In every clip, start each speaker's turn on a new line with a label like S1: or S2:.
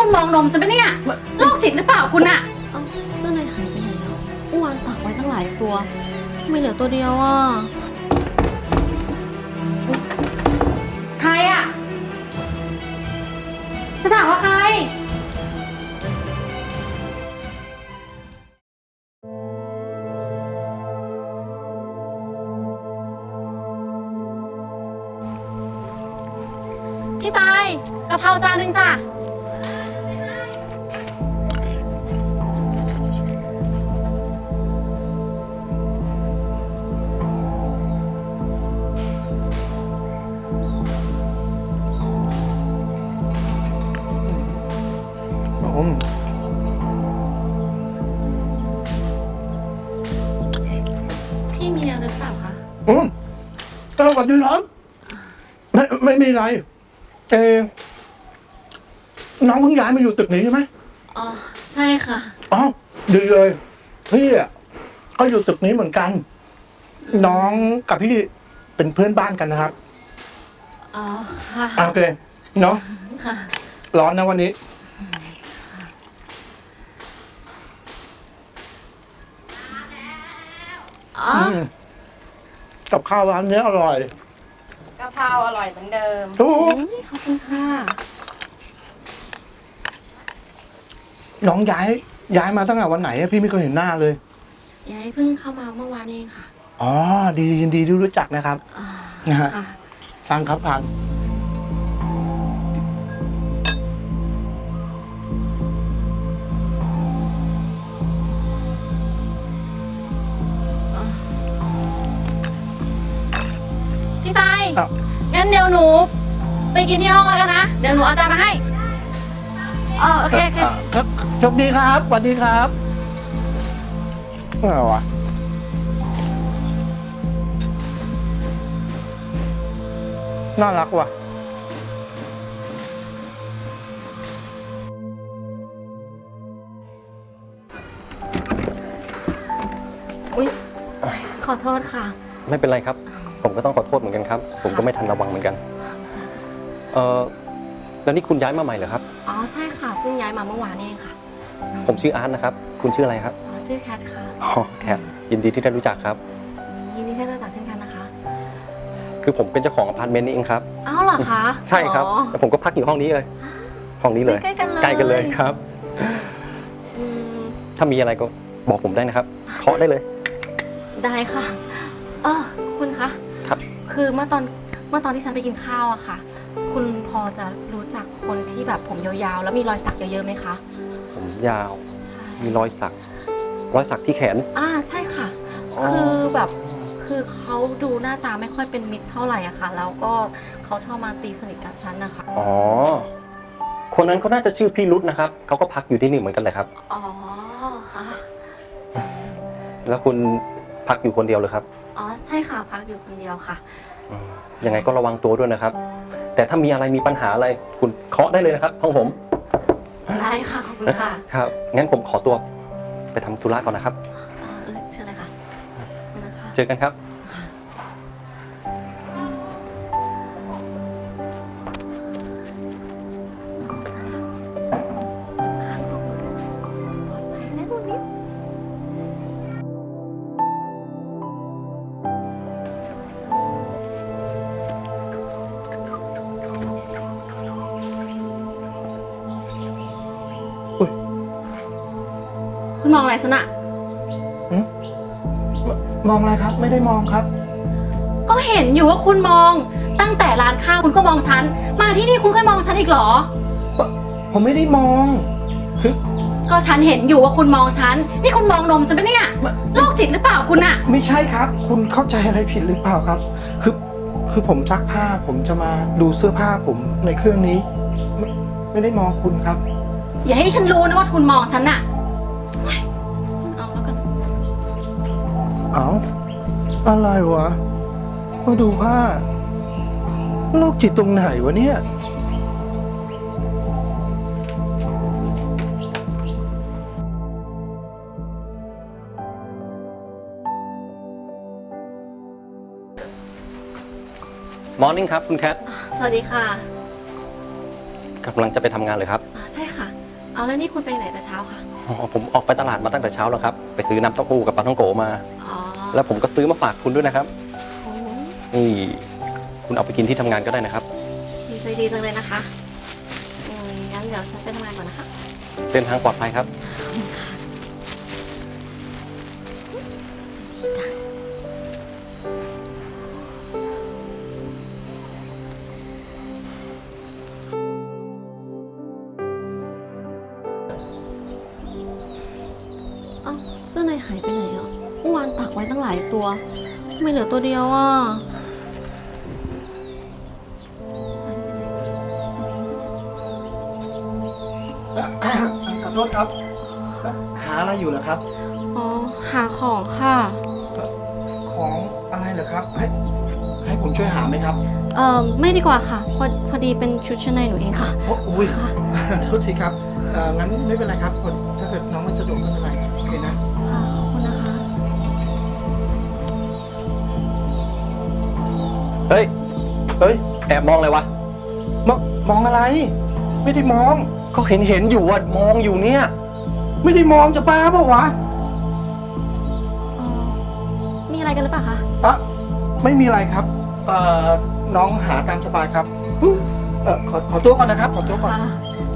S1: คุณมองนมฉันปะเนี่ยโรคจิตหรือเปล่าคุณอะ
S2: เอาเสื้อในหายไปไหนแล้วเมื่อวานตักไว้ตั้งหลายตัวทำไมเหลือตัวเดียวอ่ะ
S1: ใครอะฉันถามว่าใครพี่ทรายกะเพราจานหนึ่งจ้ะพี่มีอะไรหรือเปล่าคะ
S3: สวัสดีครับไม่มีอะไรน้องเพิ่งย้ายมาอยู่ตึกนี้ใช่ไหม
S2: อ๋อใช่ค่ะ
S3: อ๋อดีเลยพี่อ่ะก็อยู่ตึกนี้เหมือนกันน้องกับพี่เป็นเพื่อนบ้านกันนะครับ
S2: อ๋อค่ะ
S3: โอเคเนาะ
S2: ค่ะ
S3: ร้อนนะวันนี้
S2: อ๋อ
S3: กับข้าวร้านนี้อร่อย
S1: กะเพราอร่อยเหมือนเดิม
S3: ทุก
S2: ขอบคุณค่ะ
S3: น้องย้ายมาตั้งแต่วันไหนพี่ไม่เคยเห็นหน้าเลย
S2: ยายเพิ่งเข้ามาเมื่อวานเองค่ะ
S3: อ๋อดียินดีที่รู้จักนะครับนะฮะทานครับทาน
S1: พี่ทรายงั้นเดี๋ยวหนูไปกินที่ห้องแล้วกันนะเดี๋ยวหนูเอาจานมาให้
S2: โอเค
S3: ครับโชคดีครับสวัสดีครับอะไรวะน่ารักว่ะ
S2: อุ๊ยขอโทษค่ะ
S4: ไม่เป็นไรครับผมก็ต้องขอโทษเหมือนกันครับผมก็ไม่ทันระวังเหมือนกันแล้วนี่คุณย้ายมาใหม่เหรอครับ
S2: อ๋อใช่ค่ะเพิ่งย้ายมาเมื่อวานเองค่ะ
S4: ผมชื่ออาร์ตนะครับคุณชื่ออะไรครับ
S2: อ๋อชื่อแคทค่ะ
S4: อ๋อแคทยินดีที่ได้รู้จักครับ
S2: ยินดีที่ได้รู้จักเช่นกันนะคะ
S4: คือผมเป็นเจ้าของอพาร์ตเมนต์นี่เองครับ
S2: อ้าวเหรอคะ
S4: ใช่ครับแล้วผมก็พักอยู่ห้องนี้เลยห้องนี้เลย
S2: ใกล้กันเลย
S4: ใกล้กันเลยครับถ้ามีอะไรก็บอกผมได้นะครับเคาะได้เลย
S2: ได้ค่ะคุณคะ
S4: ครับ
S2: คือเมื่อตอนที่ฉันไปกินข้าวอะค่ะคุณพอจะรู้จักคนที่แบบผมยาวๆแล้วมีรอยสักเยอะๆไหมคะ
S4: ผมยาวมีรอยสักที่แขน
S2: ใช่ค่ะคือแบบคือเขาดูหน้าตาไม่ค่อยเป็นมิตรเท่าไหร่อะค่ะแล้วก็เขาชอบมาตีสนิทกับฉันนะคะ
S4: อ๋อคนนั้นเขาน่าจะชื่อพี่รุธนะครับเขาก็พักอยู่ที่นี่เหมือนกันเลยครับ
S2: อ๋อค่ะ
S4: แล้วคุณพักอยู่คนเดียวเลยครับ
S2: อ๋อใช่ค่ะพักอยู่คนเดียวค่ะ
S4: ยังไงก็ระวังตัวด้วยนะครับแต่ถ้ามีอะไรมีปัญหาอะไรคุณเคาะได้เลยนะครับห้องผม
S2: ได้ค่ะขอบคุณค่ะ
S4: ครับงั้นผมขอตัวไปทำธุระก่อนนะครับ
S2: เชิญเลยค่ะ
S4: เจอกันครับ
S2: คุณมองอะไรฉันอะ
S3: มองอะไรครับไม่ได้มองครับ
S1: ก็เห็นอยู่ว่าคุณมองตั้งแต่ร้านข้าวคุณก็มองฉันมาที่นี่คุณก็มองฉันอีกเหรอ
S3: ผมไม่ได้มองคือ
S1: ก็ฉันเห็นอยู่ว่าคุณมองฉันนี่คุณมองนมฉันปะเนี่ยโรคจิตหรือเปล่าคุณอะ
S3: ไม่ใช่ครับคุณเข้าใจอะไรผิดหรือเปล่าครับคือผมซักผ้าผมจะมาดูเสื้อผ้าผมในเครื่องนี้ไม่ได้มองคุณครับ
S1: อย่าให้ฉันรู้นะว่าคุณมองฉันอะ
S2: เอาแล้วกัน
S3: เอาอะไรวะมาดูผ้าโรคจิตตรงไหนวะเนี่ย
S4: มอร์นิ่งครับคุณแคท
S2: สวัสดีค่ะ
S4: กำลังจะไปทำงานเลยครับ
S2: ใช่ค่ะเอาแล้วนี่คุณไปไหนแต่เช้าคะ
S4: อ๋อผมออกไปตลาดมาตั้งแต่เช้าแล้วครับ ไปซื้อน้ำเต้าหู้กับปลาท่องโกมา
S2: อ๋อ
S4: แล้วผมก็ซื้อมาฝากคุณด้วยนะครับ
S2: โอ้
S4: นี่คุณเอาไปกินที่ทำงานก็ได้นะครับ
S2: ดีใจดีจังเลยนะคะงั้นเดี๋ยวฉันไปทำงานก่อนนะคะ
S4: เดินทางปลอดภัยครับ
S2: เอ้าเสื้อในหายไปไหนอ่ะเมื่อวานตากไว้ตั้งหลายตัวทำไมเหลือตัวเดียวอ่ะ
S3: ขอโทษครับ หาอะไรอยู่เหรอครับ
S2: อ๋อหาของค่ะ
S3: ของอะไรเหรอครับ ให้ผมช่วยหาไหมครับ
S2: ไม่ดีกว่าค่ะพอดีเป็นชุดชั้นในหนูเองค่ะ
S3: โอ้ยโทษทีครับงั้นไม่เป็นไรครับถ้าเกิดน้องไม่สะดวกก็ไม่เป็นไรโอเคนะ
S2: ค่ะขอบคุณนะคะ
S4: เฮ้ย
S3: เฮ้ย
S4: แอบมองเลยวะ
S3: มองอะไร ไม่ได้มอง
S4: ก็เห็นอยู่ว่ามองอยู่เนี่ย
S3: ไม่ได้มองจะบ้าเปล่าวะ
S2: มีอะไรกันหรือเปล่าคะ
S3: ไม่มีอะไรครับ น้องหาตามสบายครับขอตัวก่อนนะครับ ขอตัวก่อน
S2: ค่ะ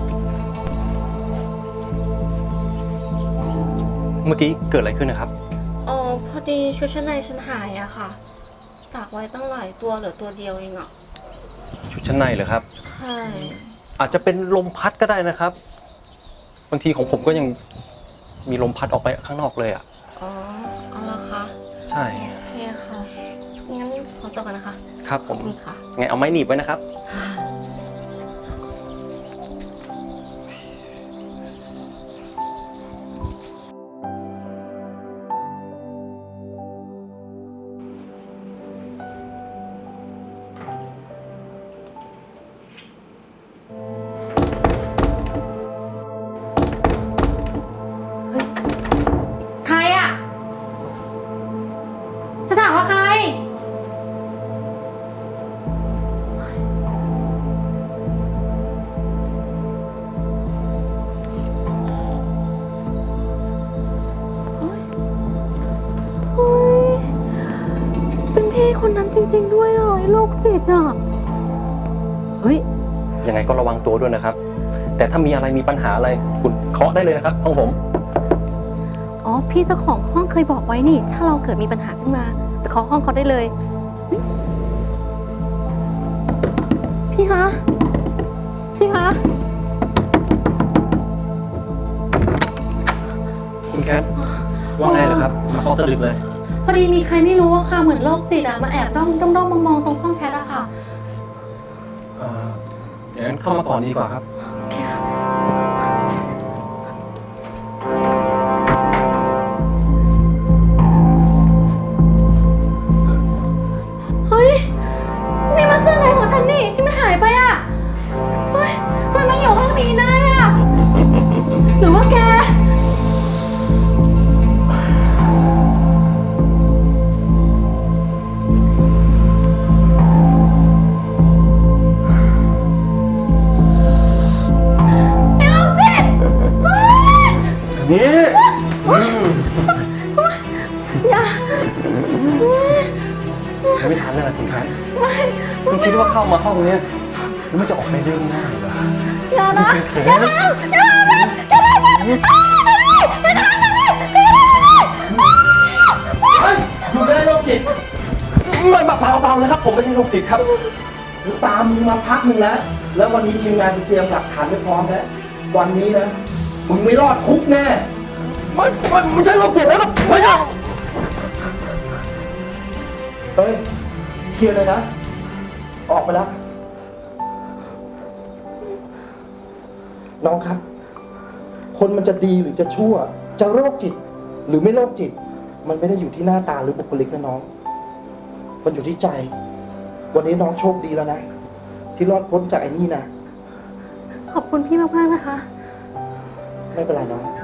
S4: เมื่อกี้เกิดอะไรขึ้นนะครับ
S2: พอดีชุดชั้นในฉันหายอะค่ะ ตากไว้ตั้งหลายตัวเหลือตัวเดียวเองอะ
S4: ชุดชั้นในเหรอครับ
S2: ใช่
S4: อาจจะเป็นลมพัดก็ได้นะครับ บางทีของผมก็ยังมีลมพัดออกไปข้างนอกเลยอ่ะ
S2: อ๋อ เอาละคะ
S4: ใช่
S2: โอเคค่ะ งั้นขอตัวกันนะคะ
S4: ครับผ
S2: ขอบ
S4: ม
S2: คุณค่ะ
S4: ไงเอาไม้หนีบไว้นะครับ
S1: ใครอะฉันถามว่าใคร
S2: เป็นพี่คนนั้นจริงๆด้วยเหรอไอ้โรคจิตอ่ะ
S1: เฮ้ย
S4: ยังไงก็ระวังตัวด้วยนะครับ แต่ถ้ามีอะไรมีปัญหาอะไรคุณเคาะได้เลยนะครับห้องผม
S2: อ๋อ พี่เจ้าของห้องเคยบอกไว้นี่ ถ้าเราเกิดมีปัญหาขึ้นมาไปเคาะห้องเขาได้เลยเฮ้ยพี่คะ พี่คะ
S4: คุณแคทว่าไงเหรอครับ มาเคาะสะดึกเลย
S1: พอดีมีใครไม่รู้อะค่ะ เหมือนโรคจิตอะมาแอบด้อมมองๆตรงห้องแคทอะค่ะ
S4: อย่างนั้นเข้ามาก่อนดีกว่าครับ
S2: โอเคค่ะ
S1: เฮ้ย นี่มันเสื้อในของฉันนี่ที่มันหายไปอะเฮ้ยทำไมมันอยู่ห้องนี้ได้อะหรือว่าแก ไอ้โรคจิตเฮ้ย
S4: นี่
S1: อย่า
S4: ไม่ทันแล้วล่ะคุณแคทคุณคิดว่าเข้ามาห้องเนี้ยแล้วมันจะออกได้ง่ายๆเหรอ
S1: อย่านะ
S4: อย่าทำอย่าทำอย่าทำอยู่ได้โรคจิตไม่เบาๆนะครับ ผมไม่ใช่โรคจิตครับ
S3: ตามมึงมาพักหนึ่งแล้ว แล้ววันนี้ทีมงานเตรียมหลักฐานไว้พร้อมแล้ว วันนี้นะ มึงไม่รอดคุกแน่
S4: ไม่ใช่โรคจิตนะครับไม่ใช่
S3: เฮ้ย เคลียร์เลยนะ ออกไปแล้ว น้องครับ คนมันจะดีหรือจะชั่ว จะโรคจิต หรือไม่โรคจิต มันไม่ได้อยู่ที่หน้าตาหรือบุคลิกนะน้อง มันอยู่ที่ใจ วันนี้น้องโชคดีแล้วนะ ที่รอดพ้นจากไอ้นี่นะ
S2: ขอบคุณพี่มากๆนะคะ
S3: ไม่เป็นไรน้อง